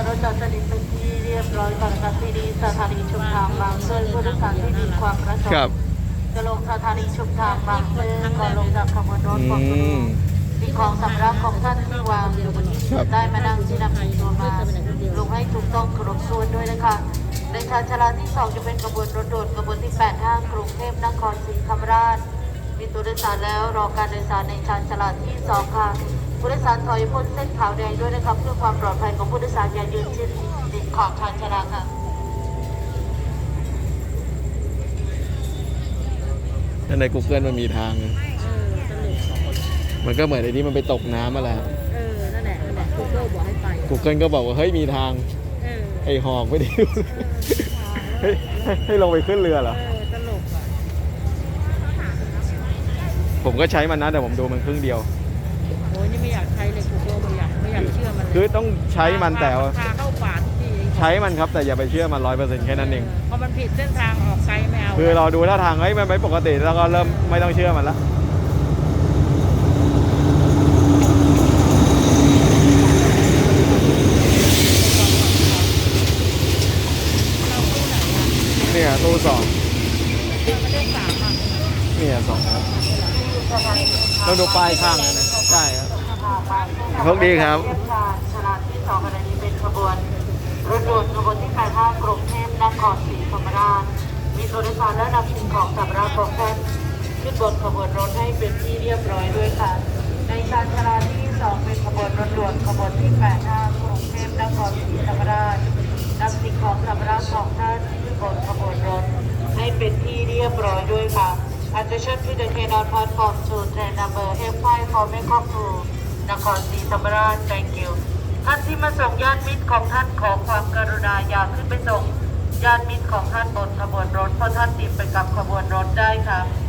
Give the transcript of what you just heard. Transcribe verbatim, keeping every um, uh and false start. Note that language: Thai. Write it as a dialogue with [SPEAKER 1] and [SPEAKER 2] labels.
[SPEAKER 1] รถจอดสนิทเป็นที่เรียบร้อยก่อนนะคะที่นี้สถานีชุมทางบางซื่อผู้โดยสารที่มีความประสง
[SPEAKER 2] ครับ
[SPEAKER 1] ค์จะลงสถานีชุมทางบางซื่อก่อนลงจากขบวนรถ
[SPEAKER 2] อื
[SPEAKER 1] ของคุณ
[SPEAKER 2] ม
[SPEAKER 1] สิ่งของสำรับของท่านที่วางอยู่บนที่
[SPEAKER 2] ครับ
[SPEAKER 1] ได้มานั่งที่นำติดตัวมาลงให้ถูกต้องครบถ้วนด้วยนะคะในชานชาลาที่สองจะเป็นขบวนรถด่วนขบวนที่แปดห้ากรุงเทพนครศรีธรรมราชมีตัวโดยสารแล้วรอการโดยสารในชานชาลาที่สองค่ะผู้โดยสารถอยพ้นเส้นขาวแดงด้วยนะครับเพื่อความปลอดภัยของผู้โดยสารอย่ายืนชิดติดขอบชานชาลาค่ะ
[SPEAKER 2] ถ้าใน Google มันมีทาง
[SPEAKER 3] เออตลก
[SPEAKER 2] มันก็เหมือนไอ้ที่มันไปตกน้ำมาแหละ
[SPEAKER 3] เออ นั่นแหละ นั่นแหละ Google บอกให้ไป
[SPEAKER 2] Google ก็บอกว่าเฮ้ยมีทาง
[SPEAKER 3] เออ
[SPEAKER 2] ไอ้หอกไม่ได้ดูให้ให้ให้ลงไปขึ้นเรือเหรอ
[SPEAKER 3] เออ ตลกอ่ะ
[SPEAKER 2] ผมก็ใช้มันนะแต่ผมดูมันครึ่งเดียว
[SPEAKER 3] โอ้ยนี่ไม่อยากใช้เลย Google ไม่อยากไม่อยากเชื่อมันเลย
[SPEAKER 2] คือต้องใช้มันแต่ว่า
[SPEAKER 3] พาเข้าป่าทุกที
[SPEAKER 2] ใช้มันครับแต่อย่าไปเชื่อมันร้อยเปอร์เซ็นต์แค่นั้นเอง
[SPEAKER 3] พอมันผิดเส้นทางออกไกลไม่เอา
[SPEAKER 2] คือเราดูท่าทางเฮ้ยมันไม่ปกติแล้วก็เริ่มไม่ต้องเชื่อมันละเนี่ยตู้สอง
[SPEAKER 3] มันได้สามอ่ะ
[SPEAKER 2] เนี่ยสองครับต้องดูป้ายข้างนะใช่ครับโชคดีครับ
[SPEAKER 1] เทียบชานชาลาที่สองขณะนี้เป็นขบวนรถด่วนขบวนที่แปดห้ากรุงเทพนครศรีธรรมราชมีตัวโดยสารและนำสิ่งของสำรับของท่านขึ้นบนขบวนรถให้เป็นที่เรียบร้อยด้วยค่ะในชานชาลาที่สองเป็นขบวนรถด่วนขบวนที่แปดห้ากรุงเทพนครศรีธรรมราชนำสิ่งของสำรับของท่านขึ้นบนขบวนรถให้เป็นที่เรียบร้อยด้วยค่ะ Attention to the K-Dot platform to train number เอฟ ไฟว์ for Bangkok to นครศรีธรรมราช Thank you ท่านที่มาส่งญาติมิตรของท่านขอความกรุณาอย่าขึ้นไปส่งญาติมิตรของท่านบนขบวนรถเพราะท่านติดไปกับขบวนรถได้ค่ะ